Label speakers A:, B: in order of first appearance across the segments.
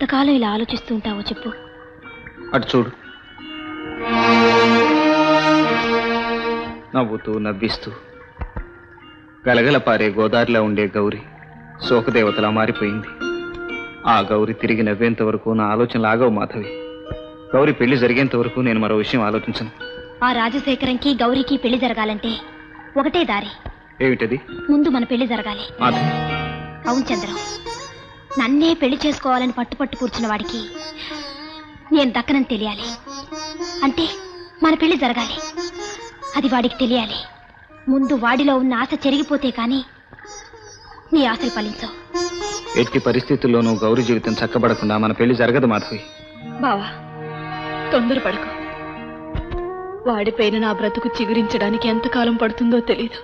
A: ఎంతకాలం ఇలా ఆలోచిస్తూ ఉంటావో చెప్పు.
B: అటు చూడు, నవ్వుతూ నవ్విస్తూ గలగల పారే గోదారిలో ఉండే గౌరి శోకదేవతలా మారిపోయింది. ఆ గౌరి తిరిగి నవ్వేంత వరకు నా ఆలోచనలు ఆగవు మాధవి. గౌరి పెళ్లి జరిగేంత వరకు నేను మరో విషయం ఆలోచించను.
A: ఆ రాజశేఖరంకి గౌరికి పెళ్లి జరగాలంటే ఒకటే దారి.
B: ఏమిటది?
A: ముందు మన పెళ్లి జరగాలి.
B: మాధవి,
A: అవును చంద్రం, నన్నే పెళ్లి చేసుకోవాలని పట్టుపట్టు కూర్చున్న వాడికి నేను దక్కనని తెలియాలి. అంటే మన పెళ్లి జరగాలి, అది వాడికి తెలియాలి. ముందు వాడిలో ఉన్న ఆశ చెరిగిపోతే కానీ నీ ఆశలు ఫలించవు.
B: ఎట్టి పరిస్థితుల్లోనూ గౌరి జీవితం చక్కబడకుండా మన పెళ్లి జరగదు మాధవి.
C: బావా, తొందరపడకు. వాడిపైన నా బ్రతుకు చిగురించడానికి ఎంతకాలం పడుతుందో తెలీదు.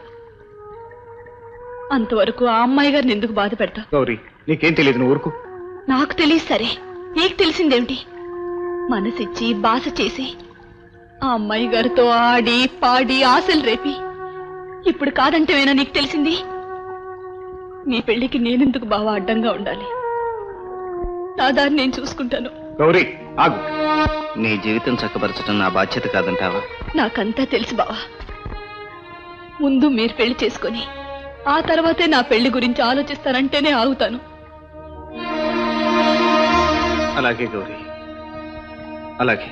C: అంతవరకు ఆ అమ్మాయి గారిని ఎందుకు బాధ పెడతా?
B: గౌరీ, నీకేం తెలియదు, నువ్వు ఊరుకు.
C: నాకు తెలియదు సరే, నీకు తెలిసిందేమిటి? మనసిచ్చి బాస చేసి ఆ అమ్మాయి గారితో ఆడి పాడి ఆశలు రేపి ఇప్పుడు కాదంటేవేనా నీకు తెలిసింది? నీ పెళ్లికి నేనెందుకు బావా అడ్డంగా ఉండాలి? నా దాన్ని నేను చూసుకుంటాను.
B: గౌరీ ఆగు. నీ జీవితం చక్కబరచడం నా బాధ్యత కాదంటావా?
C: నాకంతా తెలుసు బావా. ముందు మీరు పెళ్లి చేసుకొని ఆ తర్వాతే నా పెళ్లి గురించి ఆలోచిస్తానంటేనే ఆగుతాను.
B: అలాగే గౌరీ, అలాగే.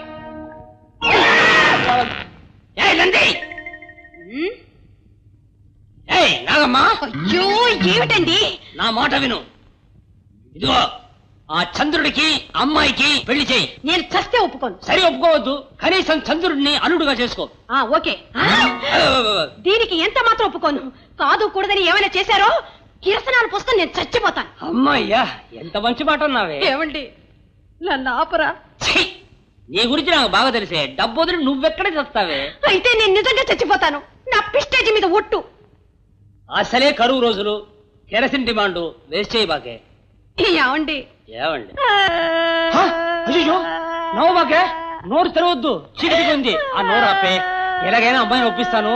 C: అయ్యో ఏమిటండి?
D: నా మాట విను. ఇదిగో ఆ చంద్రుడికి అమ్మాయికి పెళ్లి చేయి.
C: నేను చస్తే ఒప్పుకోను.
D: సరి ఒప్పుకోవద్దు, కనీసం చంద్రుడిని అల్లుడుగా చేసుకో.
C: ఓకే. దీనికి ఎంత మాత్రం ఒప్పుకోను. కాదు కూడదని ఏమైనా చేశారో కిరసనాలు పోసుకొని నేను చచ్చిపోతాను.
D: అమ్మాయ్యా, ఎంత మంచి మాట అన్నావే.
C: ఏమండి, నన్ను ఆపరా?
D: ఛీ! నీ గురించి నాకు బాగా తెలిసే. డబ్బు వదిలి నువ్వెక్కడ చస్తావే?
C: అయితే నేను నిజంగా చచ్చిపోతాను. నా పిస్టేజ్ మీద ఒట్టు.
D: అసలే కరువు రోజులు, కెరసిన్ డిమాండ్ వేస్ట్ చేయి బాకే.
C: ఏమండి?
D: ఏమండి? అయ్యో, నవ్వు బాకే. నోరు తెరవద్దు, చీకటిగా ఆ నోరు ఆపే. ఎలాగైనా అమ్మాయిని ఒప్పిస్తాను.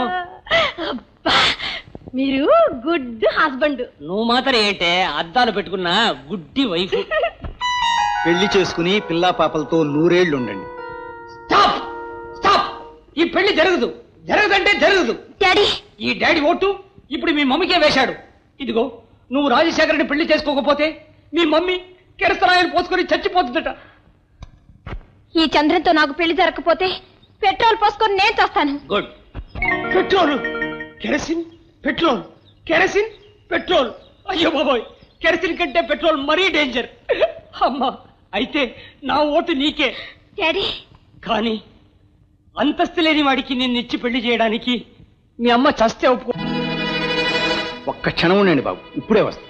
C: మీరు గుడ్ హస్బెండ్.
D: నువ్వు మాత్రం ఏంటే అద్దాలు పెట్టుకున్న గుడ్డి వైఫ్.
E: పెళ్లి చేసుకుని పిల్లా పాపలతో 100 ఏళ్లు ఉండండి.
D: Stop stop. ఈ పెళ్లి జరగదు. జరగదంటే జరగదు.
A: డాడీ,
D: ఈ డాడీ ఓటు ఇప్పుడు మీ మమ్మీకే వేశాడు. ఇదిగో, నువ్వు రాజశేఖర్ని పెళ్లి చేసుకోకపోతే మీ మమ్మీ కిరసనాయలు పోసుకొని చచ్చిపోతుందట.
A: ఈ చంద్రంతో నాకు పెళ్లి జరగకపోతే పెట్రోల్ పోసుకొని నేను చేస్తాను.
D: Good. Petrol, kerosene, petrol, kerosene, petrol. అయ్యో బాబోయ్, కెరసిన్ కంటే పెట్రోల్ మరీ డేంజర్. అమ్మా, అయితే నా ఓటు నీకే.
A: డాడీ,
D: కానీ అంతస్తు లేని వాడికి నిన్నిచ్చి పెళ్లి చేయడానికి మీ అమ్మ చస్తే ఒప్పుకో.
E: ఒక్క క్షణం ఉండండి బాబు, ఇప్పుడే వస్తా.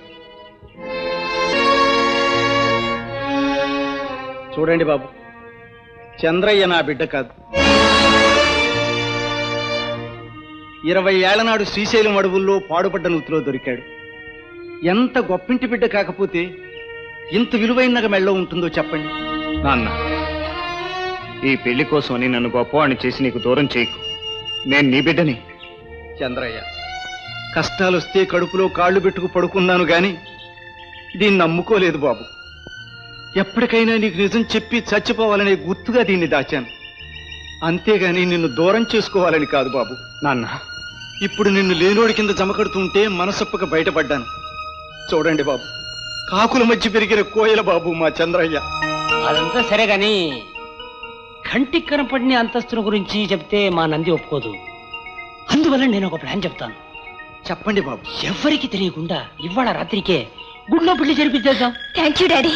E: చూడండి బాబు, చంద్రయ్య నా బిడ్డ కాదు. 20 ఏళ్ల నాడు శ్రీశైలం అడవుల్లో పాడుపడ్డ నూతిలో దొరికాడు. ఎంత గొప్పింటి బిడ్డ కాకపోతే ఇంత విలువైన మెళ్ళో ఉంటుందో చెప్పండి.
B: నాన్న, ఈ పెళ్లి కోసమని నన్ను గొప్పవాణ్ణి చేసి నీకు దూరం చేయకు. నేను నీ బిడ్డని.
E: చంద్రయ్య, కష్టాలొస్తే కడుపులో కాళ్ళు పెట్టుకు పడుకున్నాను గాని దీన్ని నమ్ముకోలేదు బాబు. ఎప్పటికైనా నీకు నిజం చెప్పి చచ్చిపోవాలనే గుర్తుగా దీన్ని దాచాను, అంతేగాని నిన్ను దూరం చేసుకోవాలని కాదు బాబు.
B: నాన్న,
E: ఇప్పుడు నిన్ను లేనోడి కింద జమకడుతుంటే మనసొప్పక బయటపడ్డాను. చూడండి బాబు, కాకుల మధ్య పెరిగిన కోయల బాబు మా చంద్రయ్య.
D: అదంతా సరే గాని కంటికి కనపడిన అంతస్తుల గురించి చెప్తే మా నంది ఒప్పుకోదు. అందువల్ల నేను ఒక ప్లాన్ చెప్తాను.
E: చెప్పండి బాబు.
D: ఎవరికి తెలియకుండా ఇవాళ రాత్రికే గుడిలో పెళ్లి జరిపించేద్దాం.
A: Thank you daddy.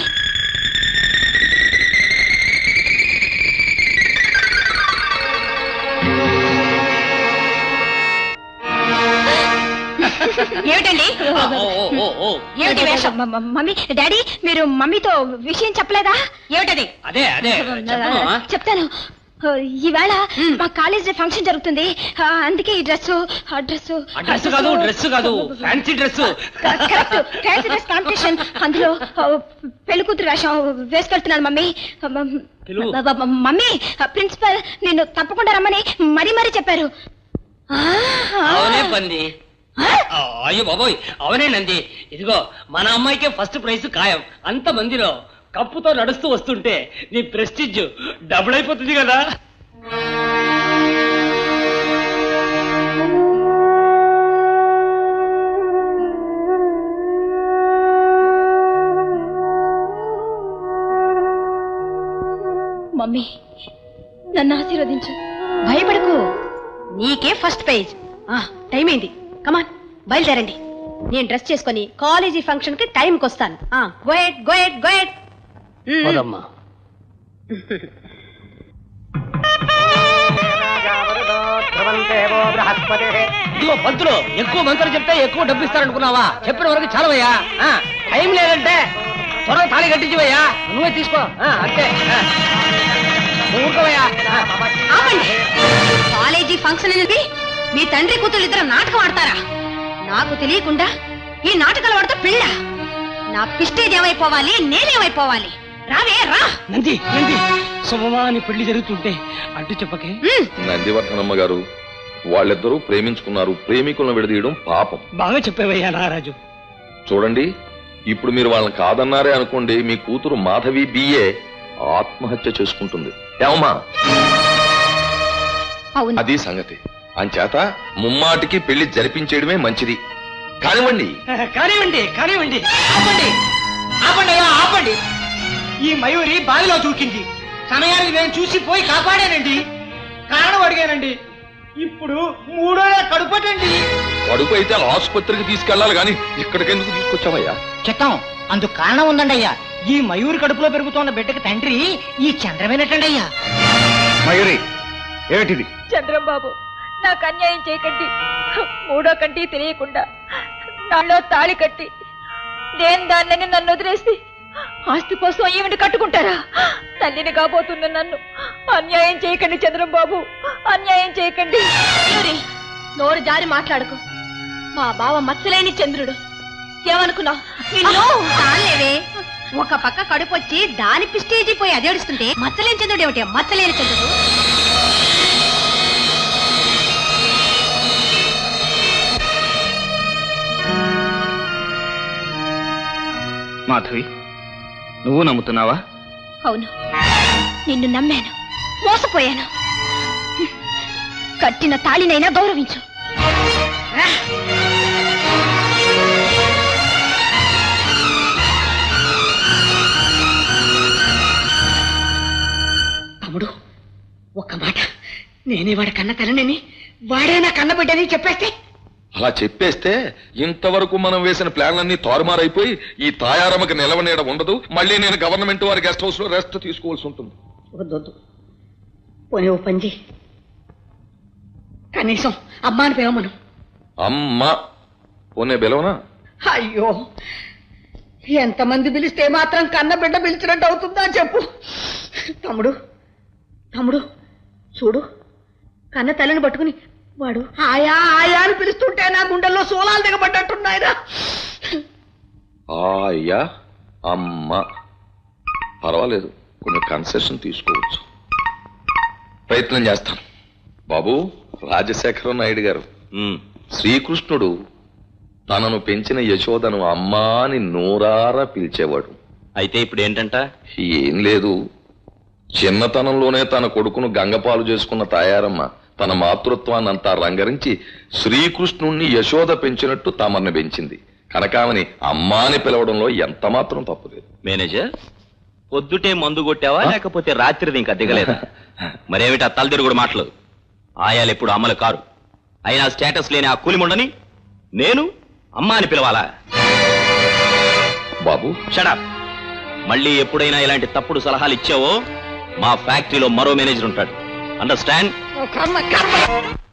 A: ఏమిటండి? ఏమిటి వేషం? మమ్మీ, డాడీ, మీరు మమ్మీతో విషయం చెప్పలేదా? ఏమిటది?
D: అదే అదే
A: చెప్తాను. ఈవేళ మా కాలేజ్ ఫంక్షన్ జరుగుతుంది, అందుకే ఈ డ్రెస్
D: కాదు, డ్రెస్ కాదు, fancy dress.
A: Fancy dress competition, అందులో పెళ్లి కూతురు వేషం వేసుకెళ్తున్నాను మమ్మీ. మమ్మీ, ప్రిన్సిపల్ నిన్ను తప్పకుండా రమ్మని మరీ మరీ చెప్పారు.
D: అవునే పంది. అయ్యో బాబోయ్, అవునే నంది. ఇదిగో, మన అమ్మాయికే ఫస్ట్ ప్రైజ్ ఖాయం. అంత మందిలో కప్పుతో నడుస్తూ వస్తుంటే నీ ప్రెస్టిజ్ డబుల్ అయిపోతుంది కదా.
C: మమ్మీ నన్ను ఆశీర్వదించు.
A: భయపడకు, నీకే ఫస్ట్ పేజ్. టైం అయింది, కమాన్ బయలుదేరండి. నేను డ్రెస్ చేసుకుని కాలేజీ ఫంక్షన్ కి టైంకి వస్తాను. గోయట్ గోయట్ గోయట్.
D: పోదమ్మా. ఇదిగో పంతులు, ఎక్కువ మంత్రులు చెప్తే ఎక్కువ డబ్బు ఇస్తారనుకున్నావా? చెప్పిన వరకు చాలవయ్యా. టైం లేదంటే త్వరగా తాళి కట్టించివయ్యా. నువ్వే తీసుకో. అంతే, ఊరుకోవయ్యా.
A: కాలేజీ ఫంక్షన్ అనేది మీ తండ్రి కూతురు ఇద్దరు నాటకం ఆడతారా? నాకు తెలియకుండా ఈ నాటకాలు ఆడితే పెళ్ళ నా పిస్టేజ్ ఏమైపోవాలి, నేనేమైపోవాలి? రావే రా.
D: నంది నంది, శుభమాని పెళ్లి జరుగుతుంటే అడ్డు చెప్పకే.
F: నందివర్ధనమ్మ గారు, వాళ్ళిద్దరూ ప్రేమించుకున్నారు. ప్రేమికులను విడదీయడం పాపం.
D: బాగా చెప్పేవయ్యా నారాజు.
F: చూడండి, ఇప్పుడు మీరు వాళ్ళని కాదన్నారే అనుకోండి, మీ కూతురు మాధవి బిఏ ఆత్మహత్య చేసుకుంటుంది. ఏమమ్మా? అది సంగతి. అంచేత ముమ్మాటికి పెళ్లి జరిపించేయడమే మంచిది. కానివ్వండి.
D: కానివ్వండి కానివ్వండి. ఆపండి ఆపండి అయ్యా, ఆపండి. ఈ మయూరి బావిలో దూకింది. సమయానికి నేను చూసి పోయి కాపాడానండి. కారణం అడిగానండి. ఇప్పుడు మూడోలా కడుపటండి.
F: కడుపు అయితే ఆసుపత్రికి తీసుకెళ్లాలి గాని ఇక్కడికెందుకు తీసుకొచ్చావయ్యా?
G: చెత్తం అందుకు కారణం ఉందండి అయ్యా. ఈ మయూరి కడుపులో పెరుగుతున్న బిడ్డకి తండ్రి ఈ చంద్రమేనటండి అయ్యా.
B: మయూరి, ఏమిటిది?
C: చంద్రం బాబు, నాకు అన్యాయం చేయకండి. మూడో కంటి తెలియకుండా నాలో తాళి కట్టి నేను దాన్ని నన్ను వదిలేసి ఆస్తి కోసం ఈవిని కట్టుకుంటారా? తల్లిని కాబోతున్న నన్ను అన్యాయం చేయకండి చంద్రం బాబు, అన్యాయం చేయకండి. నోరు జారి మాట్లాడుకో. మా బావ మచ్చలేని చంద్రుడు. ఏమనుకున్నావు?
A: చాలేవే, ఒక పక్క కడుపు వచ్చి దాని పిస్టేజీ పోయి అదేడుస్తుంటే మచ్చలేని చంద్రుడు ఏమిటి? మచ్చలేని చంద్రుడు.
B: మాధవి, నువ్వు నమ్ముతున్నావా?
A: అవును, నిన్ను నమ్మాను, మోసపోయాను. కట్టిన తాళినైనా గౌరవించు.
G: తమ్ముడు, ఒక్క మాట, నేనే వాడి కన్న తల్లిని, వాడే నా కన్న బిడ్డని చెప్పేస్తే.
F: అలా చెప్పేస్తే ఇంతవరకు మనం వేసిన ప్లాన్లన్నీ తారుమారైపోయి ఈ తాయారమ్మకి నిలవనీయడ ఉండదు. మళ్ళీ నేను గవర్నమెంట్ వారి గెస్ట్ హౌస్ లో రెస్ట్ తీసుకోవాల్సి ఉంటుంది.
G: వద్దొద్దు, పోనీ ఓ పంజి, కనీసం అమ్మాని పిలవమను.
F: అమ్మా పోనే బెలవనా?
G: అయ్యో, ఎంతమంది పిలిస్తే మాత్రం కన్న బిడ్డ పిలిచినట్టు అవుతుందా చెప్పు. తమ్ముడు తమ్ముడు చూడు, కన్న తల్లిని పట్టుకుని వాడు ఆయా ఆయా అని పిలుస్తుంటే నా గుండెల్లో సోలాలు దిగబడ్డట్టున్నాయిరా.
F: అయ్యా అమ్మ పర్వాలేదు, కొన్ని కన్సెషన్ తీసుకోవచ్చు. ప్రయత్నం చేస్తాను. బాబు రాజశేఖర నాయుడు గారు, శ్రీకృష్ణుడు తనను పెంచిన యశోదను అమ్మా అని నోరారా పిలిచేవాడు.
H: అయితే ఇప్పుడు ఏంటంట?
F: ఏం లేదు, చిన్నతనంలోనే తన కొడుకును గంగపాలు చేసుకున్న తాయారమ్మ తన మాతృత్వాన్ని అంతా రంగరించి శ్రీకృష్ణుణ్ణి యశోద పెంచినట్టు తమర్ని పెంచింది. కనకామని అమ్మాని పిలవడంలో ఎంత మాత్రం తప్పులేదు.
H: మేనేజర్, పొద్దుటే మందు కొట్టావా లేకపోతే రాత్రిది ఇంకా దిగలేదా? మరేమిటి ఆ తలదిరుగుడు మాటలు? ఆయాలు ఎప్పుడు అమలు కారు. అయినా స్టేటస్ లేని ఆ కూలిముండని నేను అమ్మ అని పిలవాలా?
F: బాబు
H: షడప్. మళ్ళీ ఎప్పుడైనా ఇలాంటి తప్పుడు సలహాలు ఇచ్చావో మా ఫ్యాక్టరీలో మరో మేనేజర్ ఉంటాడు. అండర్స్టాండ్?